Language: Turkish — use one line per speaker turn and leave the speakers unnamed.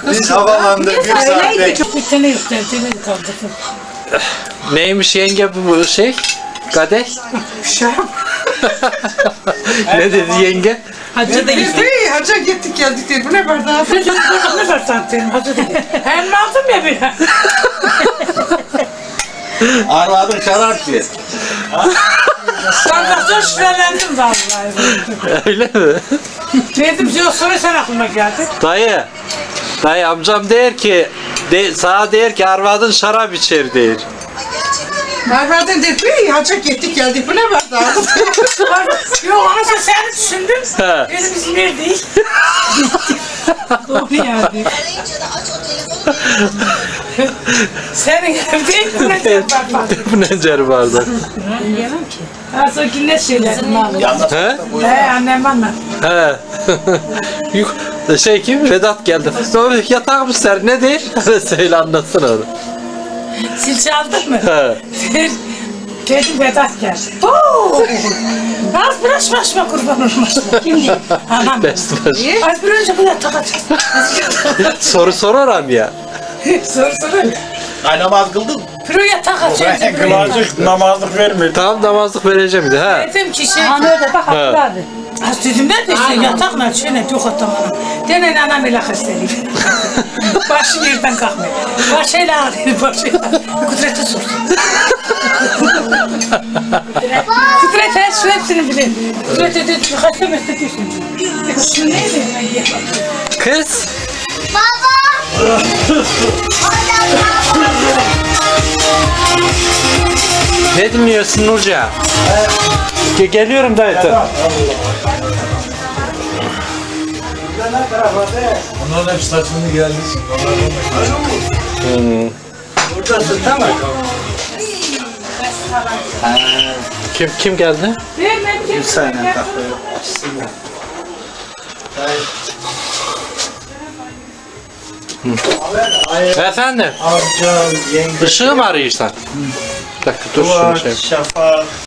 Biz havalandık bir saat bekledik.
Bir tane yükseltini kaldırdım.
Neymiş yenge bu şey? Kadeh?
Şam.
Ne dedi yenge?
Hacı da gitti.
Hey, hacca gittik geldik diye. Bu ne bardağı?
Ne var santim? Hacı da gitti. Hem aldım ya bir.
Arvadın şarap diye.
Bardaktan şüphelendim vallahi.
Öyle mi?
Dedim diyor sonra sen aklıma geldi.
Dayı amcam der ki sana der ki arvadın şarap içer der.
Arvadın dedi, hey, hacca gittik geldik. Bu ne bardağı?
Yok ama sen düşündün.
He.
Benim bizim yer değil. Doğru yani. Senin evde bu ne diyor bak.
Bu ne cer bardak?
Yemem ki. Az önce ne söyledin abi?
He?
Annem anlat.
He. Şey kim? Vedat geldi. Sonra yatak mı ser? Ne der? Söyle anlatsın onu.
Sil çaldın mı?
He.
Dedim Vedat geldi. Oo! Az biraz başıma kurban olmuş. Kim değil? Anam.
Best baş.
Az bir önce bunu takacağım.
Soru sorar ya.
Soru.
Ay namaz kıldın mı?
Proya takacağım.
Kılacak namazlık vermedi.
Tamam namazlık vereceğim de ha.
Dedim ki şey.
Hani öyle bak hatırladı.
Az dedim ne de işte yatakla şöyle yok otamana. Denen anam ile hastalıyım. Başı yerden kalkmıyor. Başıyla ağrıyor başıyla. Kudret'e sor. Kudret her şu hepsini bilir. Kudret'e dedi hasta mesletiyorsun. Şu neydi ben diye bakıyorum.
Kız. Ne dinliyorsun Nurca? Geliyorum dayı.
Onların hep saçını geldi. Buradasın tamam.
Kim geldi?
Bir saniye kahve.
Efendim?
Amcam, yenge,
Işığı mı arıyorsan? Bir dakika dur şunu şey.
Şafak.